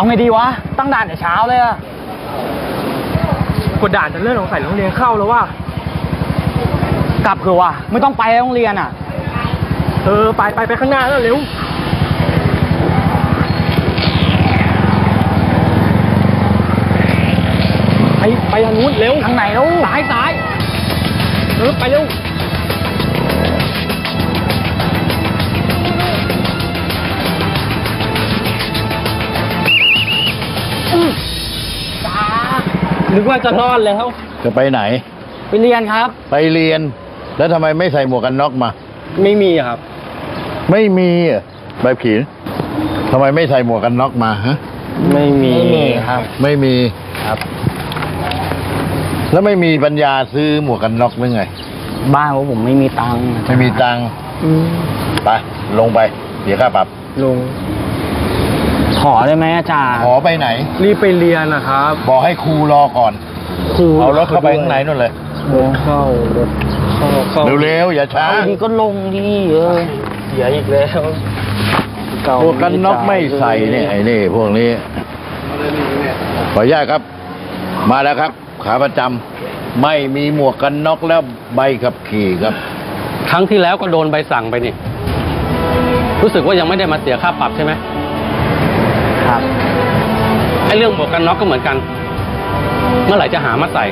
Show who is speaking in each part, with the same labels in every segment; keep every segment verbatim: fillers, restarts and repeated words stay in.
Speaker 1: เอาไงดีวะตั้งด่านแต่เช้าเลยอะ
Speaker 2: กดด่านจะเลื่อนสงสัยโรงเรียนเข้าแล้วว่ะ
Speaker 1: กลับเถอะว่ะไม่ต้องไปโรงเรียนอ่ะ
Speaker 2: เออไปไปไปข้างหน้าแล้วเร็วไปไปทางนู้นเร็ว
Speaker 1: ทางไหนแล้ว
Speaker 2: ซ้ายซ้ายเออไปเร็วนึกว่าจะรอดแล้ว
Speaker 3: จะไปไหน
Speaker 1: ไปเรียนครับ
Speaker 3: ไปเรียนแล้วทำไมไม่ใส่หมวกกันน็อกมา
Speaker 2: ไม่มีครับ
Speaker 3: ไม่มีอ่ะใบขีทำไมไม่ใส่หมวกกันน็อกมาฮะ
Speaker 2: ไม่มี
Speaker 1: ครับ
Speaker 3: ไม่มี
Speaker 1: ครับ
Speaker 3: แล้วไม่มีปัญญาซื้อหมวกกันน็อกหรือไง
Speaker 1: บ้านของผมไม่มีตังค์
Speaker 3: ไม่มีตังค์ไปลงไปเดี๋ยวค่าปรับ
Speaker 2: ลง
Speaker 1: ขอได้ไหมอาจารย์
Speaker 3: ขอไปไหน
Speaker 2: รีบไปเรียนนะครับ
Speaker 3: บอกให้ครูรอก่อนครูเอารถเข้าไปข้างในนู่นเลย
Speaker 2: เข้ารถเข้าเข้า
Speaker 3: เร็วๆอย่าช้า
Speaker 1: ดีก็ลงดีเออ
Speaker 2: เสียอีกแล้ว
Speaker 3: พวกกันน็อกไม่ใส่เนี่ยไอ้นี่พวกนี้ขออนุญาตครับมาแล้วครับขาประจำไม่มีหมวกกันน็อกแล้วใบขับขี่ครับ
Speaker 4: ครั้งที่แล้วก็โดนใบสั่งไปนี่รู้สึกว่ายังไม่ได้มาเสียค่าปรับใช่ไหม
Speaker 1: ครับ
Speaker 4: ไอ้เรื่องหมวกกันน็อกก็เหมือนกันเมื่อไหร่จะหามาใส่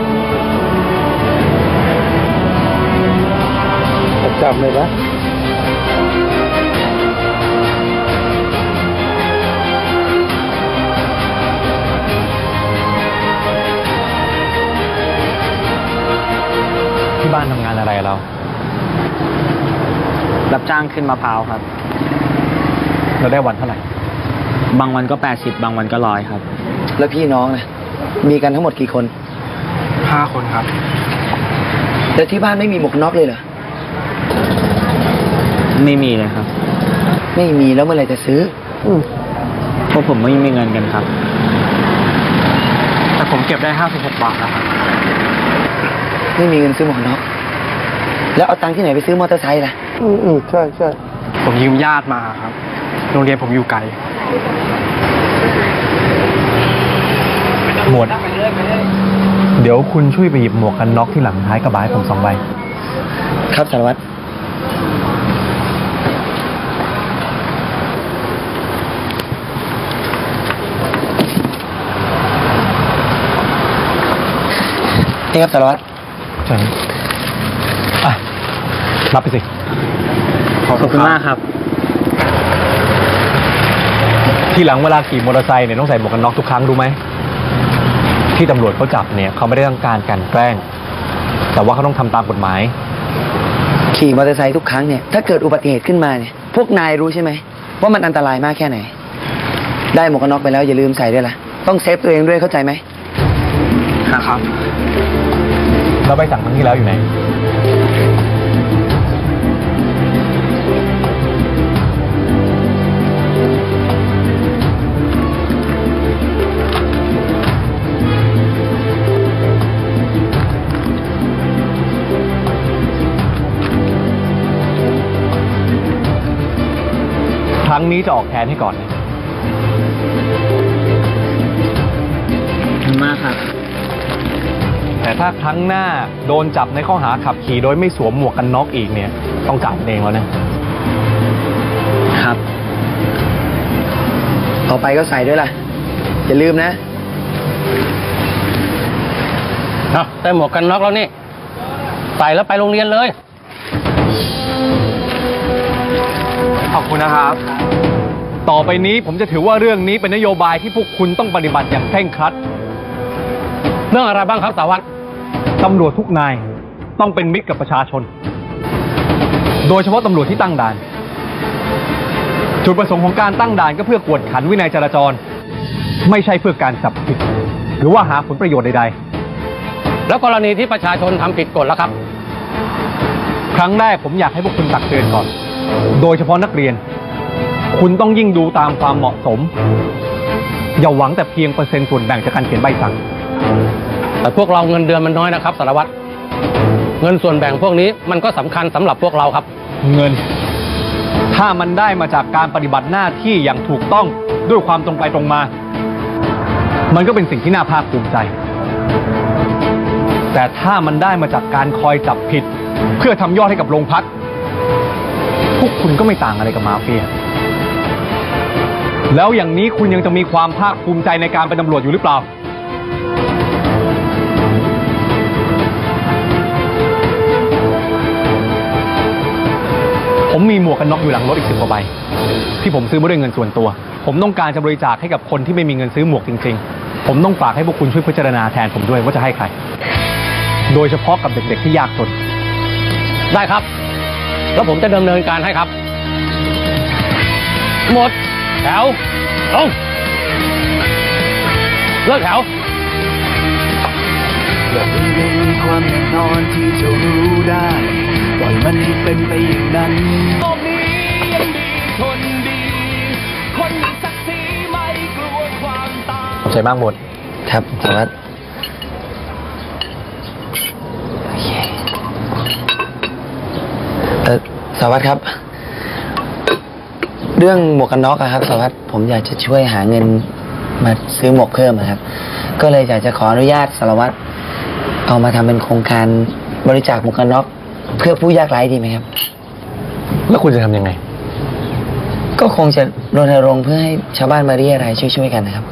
Speaker 2: จำเลยนะ
Speaker 5: ที่บ้านทำงานอะไรเรา
Speaker 1: รับจ้างขึ้นมะพร้าวครับ
Speaker 5: เราได้วันเท่าไหร่
Speaker 1: บางวันก็แปดสิบบางวันก็ร้อยครับ
Speaker 6: แล้วพี่น้องนะมีกันทั้งหมดกี่คน
Speaker 2: ห้าคนครับ
Speaker 6: แล้วที่บ้านไม่มีหมวกน็อกเลยเหรอ
Speaker 1: ไม่มีเลยครับ
Speaker 6: ไม่มีแล้วเมื่อไหร่จะซื้อ
Speaker 1: เพราะผมไม่มีเงินกันครับ
Speaker 2: แต่ผมเก็บได้ห้าสิบหกบาทนะครับ
Speaker 6: ไม่มีเงินซื้อหมวกน็อกแล้วเอาตังค์ที่ไหนไปซื้อมอเตอร์ไซค์ล่ะ
Speaker 2: อืมอืมใช่ใช่ผมยืมญาติมาครับโรงเรียนผมอยู่ไกล
Speaker 5: หมวดเดี๋ยวคุณช่วยไปหยิบหมวกกันน็อกที่หลังท้ายกระบะให้ผมสองใบ
Speaker 6: ครับสารวัตรนี่ครับสารวัตร
Speaker 5: ใช่อ่ะรับไปสิ
Speaker 1: ขอบคุณมากครับ
Speaker 5: ทีหลังเวลาขี่มอเตอร์ไซค์เนี่ยต้องใส่หมวกกันน็อกทุกครั้งรู้ไหมที่ตำรวจเขาจับเนี่ยเขาไม่ได้ต้องการการแกล้งแต่ว่าเขาต้องทำตามกฎหมาย
Speaker 6: ขี่มอเตอร์ไซค์ทุกครั้งเนี่ยถ้าเกิดอุบัติเหตุขึ้นมาเนี่ยพวกนายรู้ใช่ไหมว่ามันอันตรายมากแค่ไหนได้หมวกกันน็อกไปแล้วอย่าลืมใส่ด้วยล่ะต้องเซฟตัวเองด้วยเข้าใจไหม
Speaker 1: ครับ
Speaker 5: เราไปสั่งครั้งที่แล้วอยู่ไหนครั้งนี้จะออกแทนให้ก่อนนะ
Speaker 1: ขอบคุณมากครับ
Speaker 5: แต่ถ้าครั้งหน้าโดนจับในข้อหาขับขี่โดยไม่สวมหมวกกันน็อกอีกเนี่ยต้องจ่ายเองแล้วนะครับ
Speaker 6: ต่อไปก็ใส่ด้วยล่ะอย่าลืมนะ
Speaker 4: เอาได้หมวกกันน็อกแล้วนี่ใส่แล้วไปโรงเรียนเลย
Speaker 5: ขอบคุณนะครับต่อไปนี้ผมจะถือว่าเรื่องนี้เป็นนโยบายที่พวกคุณต้องปฏิบัติอย่างเคร่งครัด
Speaker 4: เรื่องอะไรบ้างครับสารวัตร
Speaker 5: ตำรวจทุกนายต้องเป็นมิตรกับประชาชนโดยเฉพาะตำรวจที่ตั้งด่านจุดประสงค์ของการตั้งด่านก็เพื่อกวดขันวินัยจราจรไม่ใช่เพื่อการจับผิดหรือว่าหาผลประโยชน์ใด
Speaker 4: ๆแล้วกรณีที่ประชาชนทำผิดกฎล่ะครับ
Speaker 5: ครั้งแรกผมอยากให้พวกคุณตักเตือนก่อนโดยเฉพาะนักเรียนคุณต้องยิ่งดูตามความเหมาะสมอย่าหวังแต่เพียงเปอร์เซ็นต์ส่วนแบ่งจากการเขียนใบสั่ง
Speaker 4: แต่พวกเราเงินเดือนมันน้อยนะครับสารวัตรเงินส่วนแบ่งพวกนี้มันก็สำคัญสำหรับพวกเราครับ
Speaker 5: เงินถ้ามันได้มาจากการปฏิบัติหน้าที่อย่างถูกต้องด้วยความตรงไปตรงมา มันก็เป็นสิ่งที่น่าภาคภูมิใจ แต่ถ้ามันได้มาจากการคอยจับผิด เพื่อทำยอดให้กับโรงพัก พวกคุณก็ไม่ต่างอะไรกับมาเฟีย แล้วอย่างนี้คุณยังจะมีความภาคภูมิใจในการเป็นตำรวจอยู่หรือเปล่า ผมมีหมวกกันน็อกอยู่หลังรถอีกสิบกว่าใบที่ผมซื้อมาด้วยเงินส่วนตัว ผมต้องการจะบริจาคให้กับคนที่ไม่มีเงินซื้อหมวกจริงๆ ผมต้องฝากให้พวกคุณช่วยพิจารณาแทนผมด้วยว่าจะให้ใคร โดยเฉพาะกับเด็กๆที่ยากจน
Speaker 4: ได้ครับ แล้วผมจะดำเนินการให้ครับ หมด แถวลงเลิกแถว
Speaker 7: อย่าเพิ่งได้มีความแน่นอนที่จะรู้ได้ปล่อยมันให้เป็นไปอย่างนั้นโลกนี้ยังดีคนดี คนมีศักดิ์ศรีไม่กลัวความตาย
Speaker 2: ขอบใจมากหมด
Speaker 6: ครับสารวัตรโอเคเออสารวัตรครับ เรื่องหมวกกันน็อกอะครับสารวัตรผมอยากจะช่วยหาเงินมาซื้อหมวกเพิ่มอะครับ ก็เลยอยากจะขออนุญาตสารวัตรเอามาทำเป็นโครงการบริจาคหมวกกันน็อกเพื่อผู้ยากไร้ดีไหมครับ
Speaker 2: แล้วคุณจะทำยังไง
Speaker 6: ก็คงจะรณรงค์เพื่อให้ชาวบ้านมาเรียอะไรยช่วยๆกันนะครับ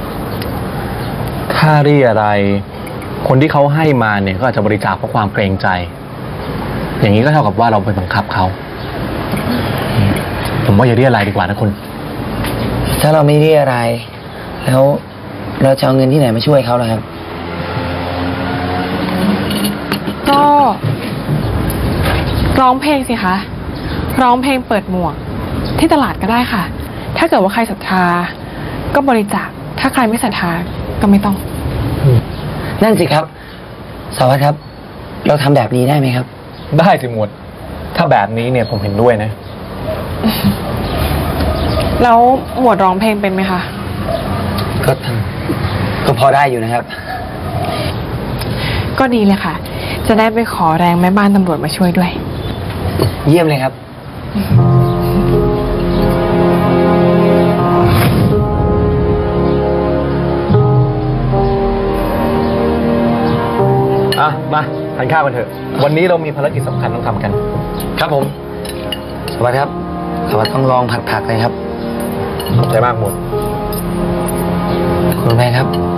Speaker 2: ค่าเรียอะไร คนที่เขาให้มาเนี่ยก็อาจจะบริจาคเพราะความเกรงใจ อย่างนี้ก็เท่ากับว่าเราไปบังคับเขา ผมว่าอย่าเรียอะไรดีกว่านะคุณ
Speaker 6: ถ้าเราไม่เรียอะไรยแล้วเราจะเอาเงินที่ไหนมาช่วยเขาล่ะครับ
Speaker 8: ก็ร้องเพลงสิคะ ร้องเพลงเปิดหมวกที่ตลาดก็ได้ค่ะ ถ้าเกิดว่าใครศรัทธาก็บริจาค ถ้าใครไม่ศรัทธาก็ไม่ต้อง
Speaker 6: นั่นสิครับสารวัตรครับ เราทำแบบนี้ได้ไหมครับ
Speaker 2: ได้สิหมวด ถ้าแบบนี้เนี่ยผมเห็นด้วยนะ
Speaker 8: แล้วหมวดร้องเพลงเป็นไหมคะ
Speaker 6: ก็ก็พอได้อยู่นะครับ
Speaker 8: ก็ดีเลยค่ะ จะได้ไปขอแรงแม่บ้านตำรวจมาช่วยด้วย
Speaker 6: เยี่ยมเลยครับ
Speaker 2: อ่ะ มาทานข้าวกันเถอะ วันนี้เรามีภารกิจสำคัญต้องทำกัน ครับผม
Speaker 6: สวัสดีครับสวัสดีต้องลองผัดผักเลยครับ
Speaker 2: ขอบใจมากหมด
Speaker 6: คุณแม่ครับ